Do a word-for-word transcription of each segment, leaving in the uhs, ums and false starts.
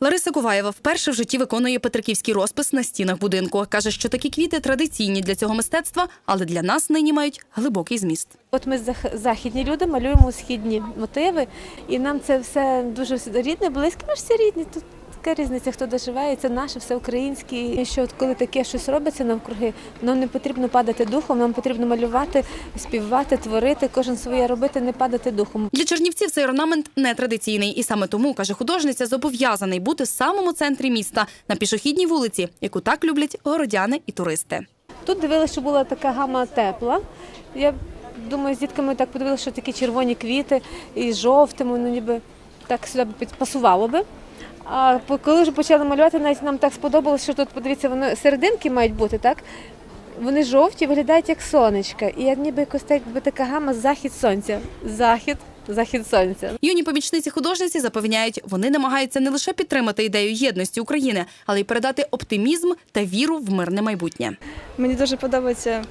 Лариса Куваєва вперше в житті виконує петриківський розпис на стінах будинку. Каже, що такі квіти традиційні для цього мистецтва, але для нас нині мають глибокий зміст. От ми західні люди малюємо східні мотиви, і нам це все дуже рідне, близьке, ми ж всі рідні. Тут така різниця, хто доживає, це наше, все українське. І що от коли таке щось робиться навкруги, нам не потрібно падати духом, нам потрібно малювати, співати, творити, кожен своє робити, не падати духом. Для чернівців цей орнамент нетрадиційний. І саме тому, каже художниця, зобов'язаний бути в самому центрі міста, на пішохідній вулиці, яку так люблять городяни і туристи. Тут дивилися, що була така гама тепла. Я думаю, з дітками так подивилися, що такі червоні квіти і жовтими, ну ніби так сюди пасувало би. А коли вже почали малювати, навіть нам так сподобалося, що тут, подивіться, вони серединки мають бути, так? Вони жовті, виглядають як сонечка. І як ніби якось так, якби така гама захід сонця. Захід, захід сонця. Юні помічниці художниці запевняють, вони намагаються не лише підтримати ідею єдності України, але й передати оптимізм та віру в мирне майбутнє. Мені дуже подобаються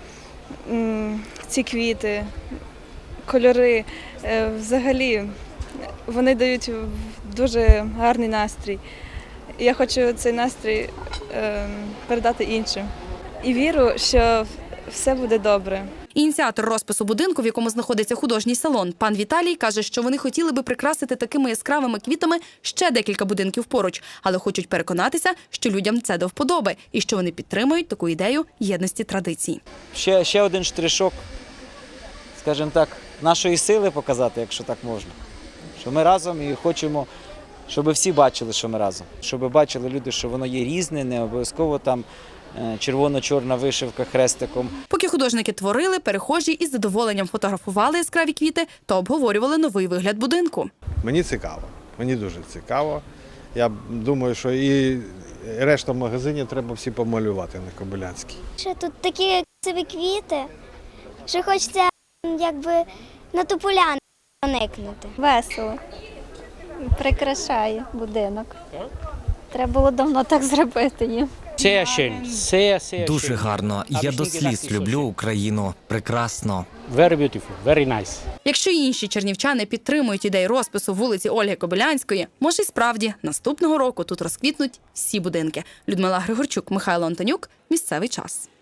м, ці квіти, кольори. Е, взагалі, вони дають дуже гарний настрій. Я хочу цей настрій е, передати іншим. І віру, що все буде добре. Ініціатор розпису будинку, в якому знаходиться художній салон, пан Віталій, каже, що вони хотіли би прикрасити такими яскравими квітами ще декілька будинків поруч, але хочуть переконатися, що людям це до вподоби і що вони підтримують таку ідею єдності традицій. Ще, ще один штришок, скажімо так, нашої сили показати, якщо так можна. Що ми разом і хочемо, щоб всі бачили, що ми разом. Щоб бачили люди, що воно є різне, не обов'язково там червоно-чорна вишивка хрестиком. Поки художники творили, перехожі із задоволенням фотографували яскраві квіти та обговорювали новий вигляд будинку. Мені цікаво, мені дуже цікаво. Я думаю, що і решту магазинів треба всі помалювати на Кобилянській. Що тут такі красиві квіти, що хочеться якби на ту поляну проникнути. Весело, прикрашає будинок. Треба було давно так зробити їм. Дуже гарно. Я до сліз люблю Україну. Прекрасно. Якщо й інші чернівчани підтримують ідею розпису вулиці Ольги Кобилянської, може й справді наступного року тут розквітнуть всі будинки. Людмила Григорчук, Михайло Антонюк. Місцевий час.